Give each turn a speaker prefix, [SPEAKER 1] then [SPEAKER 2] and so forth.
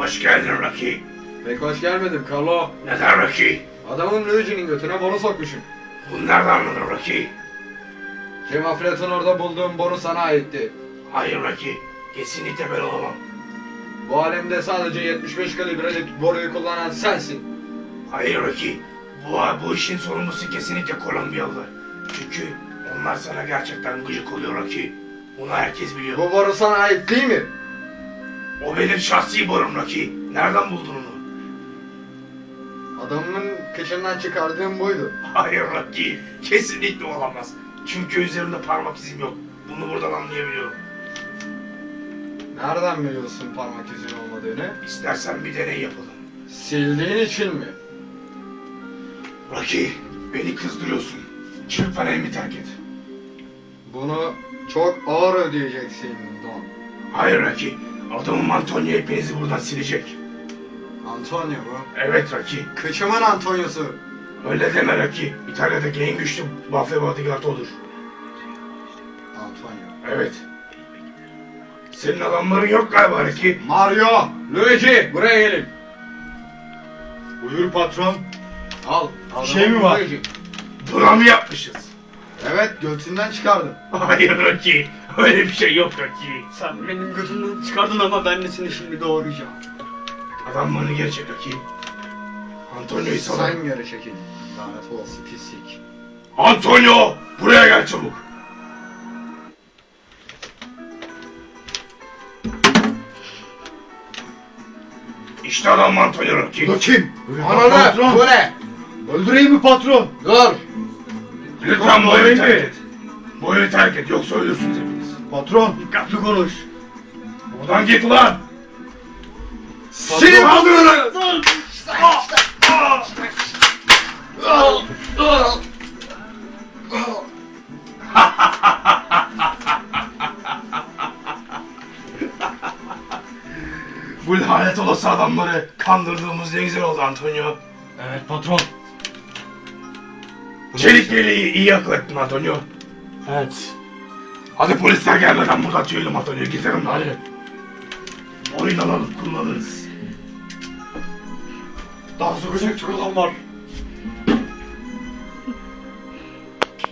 [SPEAKER 1] Hoş geldin Rocky.
[SPEAKER 2] Pek hoş gelmedim Carlo.
[SPEAKER 1] Neden Rocky?
[SPEAKER 2] Adamın Luigi'nin götüne boru sokmuşum.
[SPEAKER 1] Bunu nereden anladın Rocky?
[SPEAKER 2] Kemafleton orada bulduğum boru sana aitti.
[SPEAKER 1] Hayır Rocky. Kesinlikle ben olamam.
[SPEAKER 2] Bu alemde sadece 75 kalibreli boruyu kullanan sensin.
[SPEAKER 1] Hayır Rocky. Bu işin sorumlusu kesinlikle Kolombiyalılar. Çünkü onlar sana gerçekten gıcık oluyor Rocky. Bunu herkes biliyor.
[SPEAKER 2] Bu boru sana ait değil mi?
[SPEAKER 1] O benim şahsi borum Rocky. Nereden buldun onu?
[SPEAKER 2] Adamın kıçından çıkardığım buydu.
[SPEAKER 1] Hayır Rocky. Kesinlikle olamaz. Çünkü üzerinde parmak izim yok. Bunu buradan anlayabiliyorum.
[SPEAKER 2] Nereden biliyorsun parmak izin olmadığını?
[SPEAKER 1] İstersen bir deney yapalım.
[SPEAKER 2] Sildiğin için mi?
[SPEAKER 1] Rocky, beni kızdırıyorsun. Lütfen elimi terk et.
[SPEAKER 2] Bunu çok ağır ödeyeceksin Don.
[SPEAKER 1] Hayır Rocky, adamım Antonio hepinizi buradan silecek.
[SPEAKER 2] Antonio mu?
[SPEAKER 1] Evet Rocky,
[SPEAKER 2] Kıçımın Antonio'su.
[SPEAKER 1] öyle deme Rocky. İtalya'daki en güçlü mafya bodyguard odur.
[SPEAKER 2] Antonio.
[SPEAKER 1] Evet. Senin adamların yok galiba Rocky.
[SPEAKER 2] Mario, Luigi, buraya gelin.
[SPEAKER 3] Buyur patron.
[SPEAKER 2] Al.
[SPEAKER 3] Bir şey mi var?
[SPEAKER 2] Luigi.
[SPEAKER 1] Buna mı yapmışız?
[SPEAKER 2] Evet, göğsünden çıkardım.
[SPEAKER 1] Hayır Rocky, öyle bir şey yok Rocky.
[SPEAKER 3] Sen benim gözümden çıkardın ama ben de seni şimdi doğuracağım.
[SPEAKER 1] Adamlarını geri çek Rocky. Antonio'yu sana...
[SPEAKER 2] Sen geri çekil. Lanet olası pislik.
[SPEAKER 1] Antonio, buraya gel çabuk. İşte adam Antonio Rocky.
[SPEAKER 3] Bu kim?
[SPEAKER 2] Ananı,
[SPEAKER 3] Patron.
[SPEAKER 2] bu ne?
[SPEAKER 3] Öldüreyim mi patron?
[SPEAKER 2] Dur.
[SPEAKER 1] Lütfen bu
[SPEAKER 3] Patron,
[SPEAKER 1] evi terk
[SPEAKER 3] beni.
[SPEAKER 1] et. Bu evi terk et yoksa ölürsünüz hepiniz.
[SPEAKER 3] Patron. Dikkatli konuş.
[SPEAKER 1] Buradan git ulan.
[SPEAKER 2] Seni
[SPEAKER 1] kaldırın. Bu lanet olası adamları kandırdığımız ne güzel oldu Antonio.
[SPEAKER 3] Evet patron.
[SPEAKER 1] Çelik yeleği iyi akıl ettin Antonio.
[SPEAKER 3] Evet.
[SPEAKER 1] Hadi polisler gelmeden buradan tüyelim Antonio, gidelim hadi. Oyun alalım, kullanırız.
[SPEAKER 3] Daha sokacak çok adam var.